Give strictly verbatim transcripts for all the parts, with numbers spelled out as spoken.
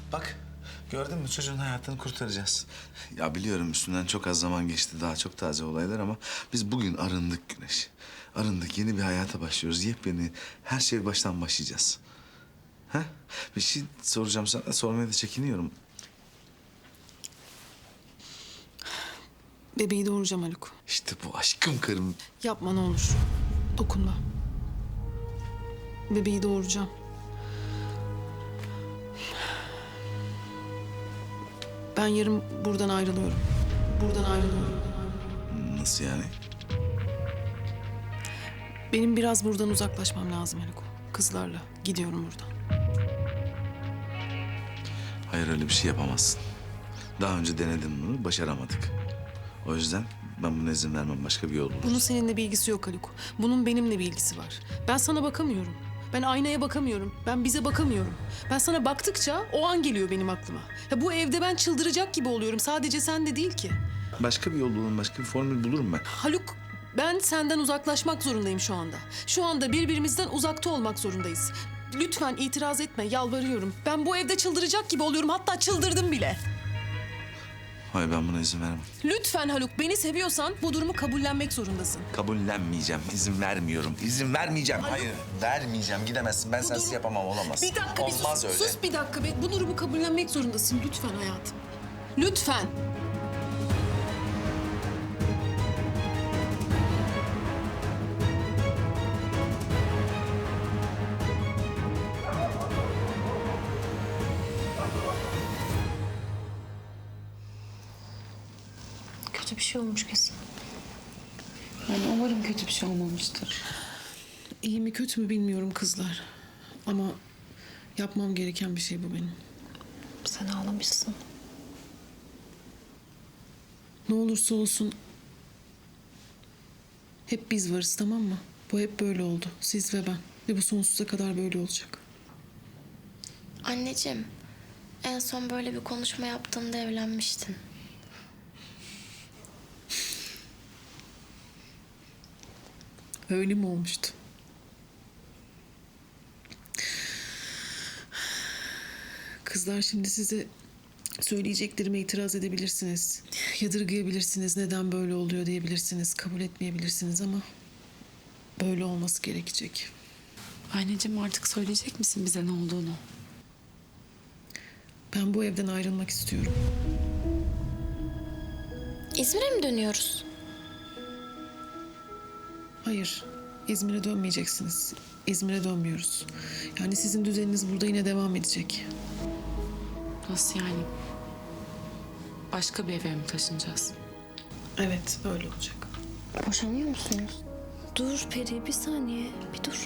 Bak gördün mü çocuğun hayatını kurtaracağız. Ya biliyorum üstünden çok az zaman geçti. Daha çok taze olaylar ama biz bugün arındık Güneş. Arındık. Yeni bir hayata başlıyoruz. Yepyeni her şey baştan başlayacağız. Ha? Bir şey soracağım sana. Sormaya da çekiniyorum. Bebeği doğuracağım Haluk. İşte bu aşkım karım. Yapma ne olur. Dokunma. Bebeği doğuracağım. Ben yarın buradan ayrılıyorum. Buradan ayrılıyorum. Nasıl yani? Benim biraz buradan uzaklaşmam lazım Haluk. Kızlarla gidiyorum buradan. Hayır öyle bir şey yapamazsın. Daha önce denedim bunu. Başaramadık. O yüzden ben buna izin vermem. Başka bir yol buluruz. Bunun seninle bir ilgisi yok Haluk. Bunun benimle bir ilgisi var. Ben sana bakamıyorum. Ben aynaya bakamıyorum. Ben bize bakamıyorum. Ben sana baktıkça o an geliyor benim aklıma. Ya bu evde ben çıldıracak gibi oluyorum. Sadece sen de değil ki. Başka bir yol bulurum. Başka bir formül bulurum ben. Haluk, ben senden uzaklaşmak zorundayım şu anda. Şu anda birbirimizden uzakta olmak zorundayız. Lütfen itiraz etme, yalvarıyorum. Ben bu evde çıldıracak gibi oluyorum. Hatta çıldırdım bile. Hayır ben buna izin vermem. Lütfen Haluk, beni seviyorsan bu durumu kabullenmek zorundasın. Kabullenmeyeceğim. İzin vermiyorum. İzin vermeyeceğim. Hayır. Vermeyeceğim. Gidemezsin. Ben sensiz durum- yapamam. Olamaz. Bir dakika, bir Olmaz sus. öyle. Sus bir dakika. be. Bu durumu kabullenmek zorundasın. Lütfen hayatım. Lütfen. Kötü bir şey olmuş kesin. Yani umarım kötü bir şey olmamıştır. İyi mi kötü mü bilmiyorum kızlar. Ama yapmam gereken bir şey bu benim. Sen ağlamışsın. Ne olursa olsun hep biz varız, tamam mı? Bu hep böyle oldu. Siz ve ben. Ve bu sonsuza kadar böyle olacak. Anneciğim, en son böyle bir konuşma yaptığında evlenmiştin. Öyle mi olmuştu? Kızlar, şimdi size söyleyeceklerime itiraz edebilirsiniz. Yadırgayabilirsiniz, neden böyle oluyor diyebilirsiniz. Kabul etmeyebilirsiniz ama böyle olması gerekecek. Anneciğim artık söyleyecek misin bize ne olduğunu? Ben bu evden ayrılmak istiyorum. İzmir'e mi dönüyoruz? Hayır, İzmir'e dönmeyeceksiniz. İzmir'e dönmüyoruz. Yani sizin düzeniniz burada yine devam edecek. Nasıl yani? Başka bir eve mi taşınacağız? Evet, öyle olacak. Boşanıyor musunuz? Dur Peri, bir saniye, bir dur.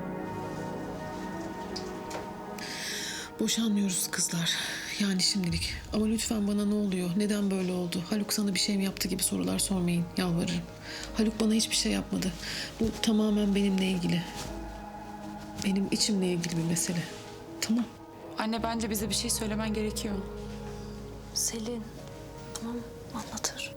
Boşanmıyoruz kızlar. Yani şimdilik. Ama lütfen bana ne oluyor? Neden böyle oldu? Haluk sana bir şey mi yaptı gibi sorular sormayın. Yalvarırım. Haluk bana hiçbir şey yapmadı. Bu tamamen benimle ilgili. Benim içimle ilgili bir mesele. Tamam. Anne bence bize bir şey söylemen gerekiyor. Selin, tamam anlatır.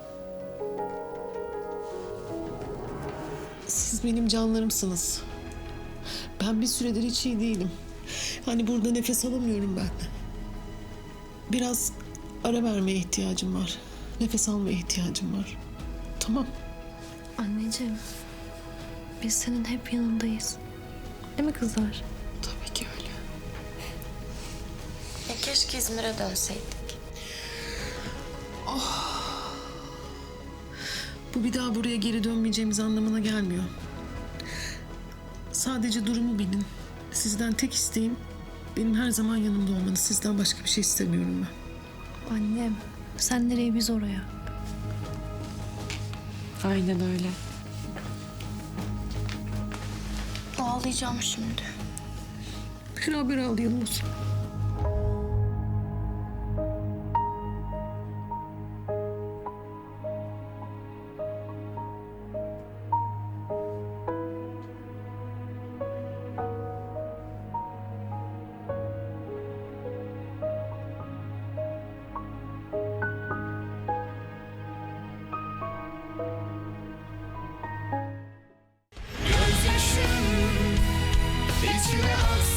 Siz benim canlarımsınız. Ben bir süredir hiç iyi değilim. Hani burada nefes alamıyorum ben. Biraz ara vermeye ihtiyacım var. Nefes almaya ihtiyacım var. Tamam. Anneciğim, biz senin hep yanındayız. Değil mi kızlar? Tabii ki öyle. Ya keşke İzmir'e dönseydik. Bu bir daha buraya geri dönmeyeceğimiz anlamına gelmiyor. Sadece durumu bilin. Sizden tek isteğim benim her zaman yanımda olmanız. Sizden başka bir şey istemiyorum ben. Annem, sen nereye biz oraya. Aynen öyle. Ağlayacağım şimdi. Beraber ağlayalım o zaman. Gözyaşım içime aksın.